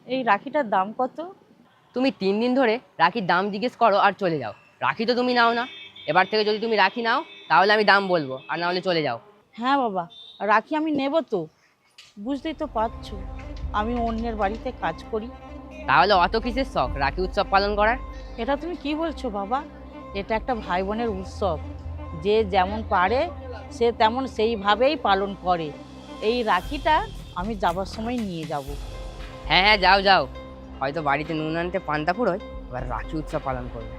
এই রাখিটার দাম কত? তুমি 3 দিন ধরে রাখির দাম জিজ্ঞেস করো আর চলে যাও। রাখি তো তুমি নাও না। এবার থেকে যদি তুমি রাখি নাও তাহলে আমি দাম বলবো, আর না হলে চলে যাও। হ্যাঁ বাবা, রাখি আমি নেব তো। বুঝতেই তো পারছো, আমি অন্যের বাড়িতে কাজ করি। তাহলে অত কিসের শখ রাখি উৎসব পালন করার? এটা তুমি কি বলছো বাবা? এটা একটা ভাই বোনের উৎসব। যে যেমন পারে সে তেমন সেইভাবেই পালন করে। এই রাখিটা আমি যাবার সময় নিয়ে যাব। হ্যাঁ হ্যাঁ, যাও যাও। হয়তো বাড়িতে নুন আনতে পান্তা ফুরোয়, এবার রাখি উৎসব পালন করবে।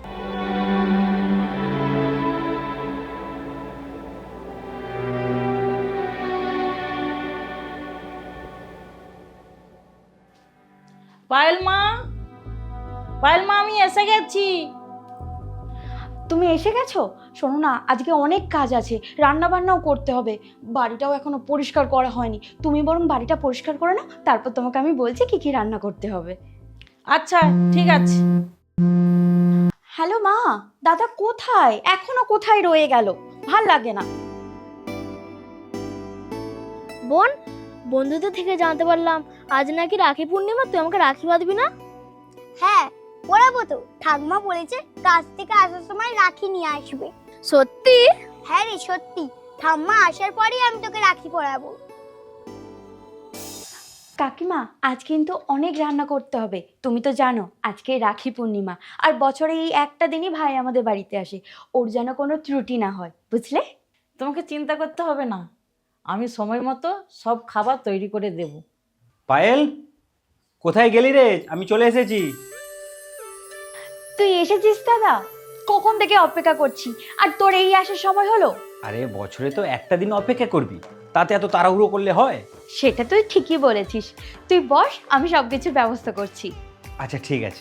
পায়েল মা, পায়েল মা, আমি এসে গেছি। তুমি এসে গেছো? শোনো না, আজকে অনেক কাজ আছে, রান্না বান্নাও করতে হবে, বাড়িটাও এখনো পরিষ্কার করা হয়নি। তুমি বরং বাড়িটা পরিষ্কার করে নাও, তারপর তোমাকে আমি বলছি কি কি রান্না করতে হবে। আচ্ছা ঠিক আছে। হ্যালো মা, দাদা কোথায়? এখনো কোথায় রয়ে গেল? ভাল লাগে না। বোন, বন্ধুদের থেকে জানতে পারলাম আজ নাকি রাখি পূর্ণিমা, তুই আমাকে রাখি বাঁধবি না? হ্যাঁ, পড়াবো তো। ঠাকুমা বলেছে কাজ থেকে আসার সময় রাখি নিয়ে আসবে। সত্যি? হ্যাঁ রে, সত্যি। ঠাম্মা আসার পরেই আমি তোকে রাখি পরাবো। কাকিমা, আজ কিন্তু অনেক রান্না করতে হবে, তুমি তো জানো আজকে রাখি পূর্ণিমা, আর বছরে এই একটা দিনই ভাই আমাদের বাড়িতে আসে, ওর যেন কোনো ত্রুটি না হয়, বুঝলে? তোমাকে চিন্তা করতে হবে না, আমি সময় মতো সব খাবার তৈরি করে দেব। পায়েল, কোথায় গেলি রে? আমি চলে এসেছি। তুই এসেছিস দাদা? কখন থেকে অপেক্ষা করছি, আর তোর এই আসার সময় হলো? আরে বছরে তো একটা দিন অপেক্ষা করবি, তাতে এত তাড়াহুড়ো করলে হয়? সেটা তুই ঠিকই বলেছিস। তুই বস, আমি সব কিছুর ব্যবস্থা করছি। আচ্ছা ঠিক আছে।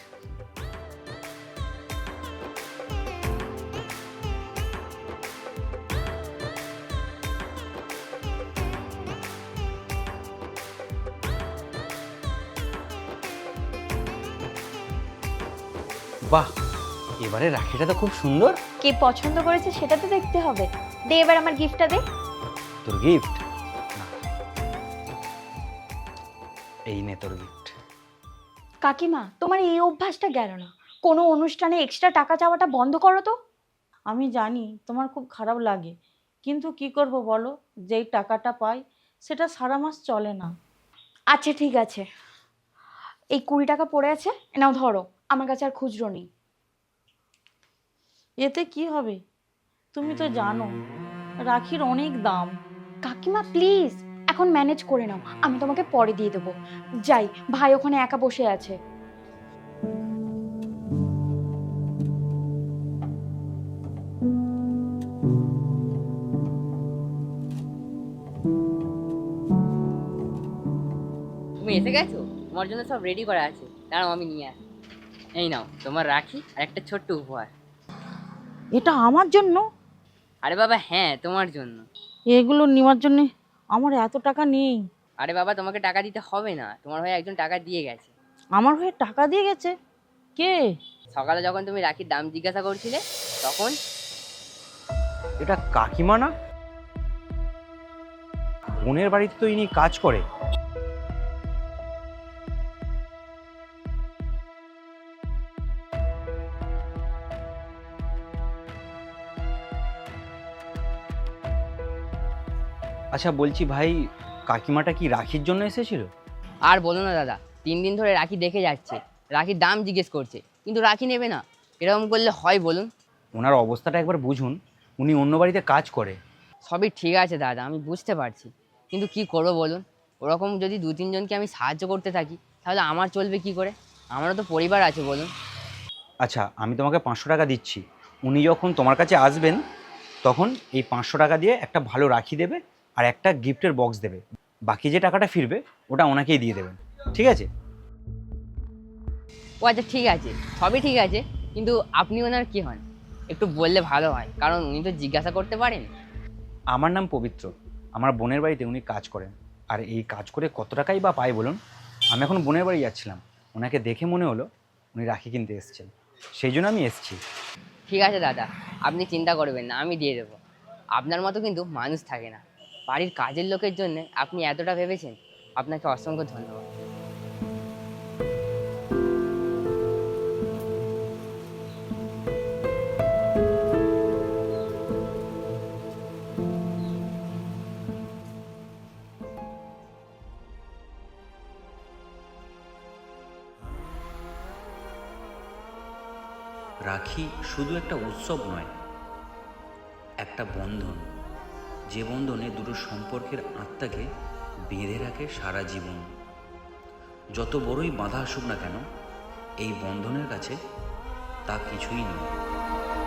বাহ, এবারে রাখিটা তো খুব সুন্দর। কে পছন্দ করেছে সেটা তো দেখতে হবে। দে এবার আমার গিফটটা দে। তোর গিফট? এই নে তোর গিফট। কাকিমা, তোমার এই অভ্যাসটা গেল না, কোনো অনুষ্ঠানে এক্সট্রা টাকা চাওয়াটা বন্ধ করো তো। আমি জানি তোমার খুব খারাপ লাগে, কিন্তু কি করব বলো, যেই টাকাটা পাই সেটা সারা মাস চলে না। আচ্ছা ঠিক আছে, এই 20 টাকা পড়ে আছে, নাও ধরো, আমার কাছে আর খুচরো নেই। এতে কি হবে? তুমি তো জানো রাখির অনেক দাম। কাকিমা প্লিজ, এখন ম্যানেজ করে নাও, আমি তোমাকে পরে দিয়ে দেবো। যাই, ভাই ওখানে একা বসে আছে। তুমি এসে গেছো? তোমার জন্য সব রেডি করা আছে, দাঁড়াও আমি নিয়ে আসি। এই নাও তোমার রাখি আর একটা ছোট্ট উপহার। এটা আমার জন্য? আরে বাবা হ্যাঁ, তোমার জন্য। এগুলো নেওয়ার জন্য আমার এত টাকা নেই। আরে বাবা, তোমাকে টাকা দিতে হবে না, তোমার হয়ে একজন টাকা দিয়ে গেছে। আমার হয়ে টাকা দিয়ে গেছে? কে? সকালে যখন তুমি রাখির দাম জিজ্ঞাসা করছিলে তখন। এটা কাকিমা না? বোনের বাড়িতে তো ইনি কাজ করে। আচ্ছা বলছি ভাই, কাকিমাটা কি রাখির জন্য এসেছিল? আর বলো না দাদা, 3 দিন ধরে রাখি দেখে যাচ্ছে, রাখির দাম জিজ্ঞেস করছে, কিন্তু রাখি নেবে না। এরকম করলে হয় বলুন? ওনার অবস্থাটা একবার বুঝুন, উনি অন্য বাড়িতে কাজ করে। সবই ঠিক আছে দাদা, আমি বুঝতে পারছি, কিন্তু কি করবো বলুন? ওরকম যদি 2-3 জনকে আমি সাহায্য করতে থাকি তাহলে আমার চলবে কি করে? আমারও তো পরিবার আছে বলুন। আচ্ছা আমি তোমাকে 500 টাকা দিচ্ছি, উনি যখন তোমার কাছে আসবেন তখন এই 500 টাকা দিয়ে একটা ভালো রাখি দেবে আর একটা গিফটের বক্স দেবে। বাকি যে টাকাটা ফিরবে ওটা ওনাকেই দিয়ে দেবেন, ঠিক আছে? ও আচ্ছা ঠিক আছে, সবই ঠিক আছে, কিন্তু আপনি ওনার কি হন একটু বললে ভালো হয়, কারণ উনি তো জিজ্ঞাসা করতে পারেন। আমার নাম পবিত্র, আমার বোনের বাড়িতে উনি কাজ করেন। আর এই কাজ করে কত টাকাই বা পায় বলুন? আমি এখন বোনের বাড়ি যাচ্ছিলাম, ওনাকে দেখে মনে হলো উনি রাখি কিনতে এসেছেন, সেই জন্য আমি এসেছি। ঠিক আছে দাদা, আপনি চিন্তা করবেন না, আমি দিয়ে দেবো। আপনার মতো কিন্তু মানুষ থাকে না, বাড়ির কাজের লোকের জন্য আপনি এতটা ভেবেছেন, আপনাকে অসংখ্য ধন্যবাদ। রাখি শুধু একটা উৎসব নয়, একটা বন্ধন, যে বন্ধনে দুটো সম্পর্কের আত্মাকে বেঁধে রাখে সারা জীবন। যত বড়ই বাধা আসুক না কেন, এই বন্ধনের কাছে তা কিছুই নয়।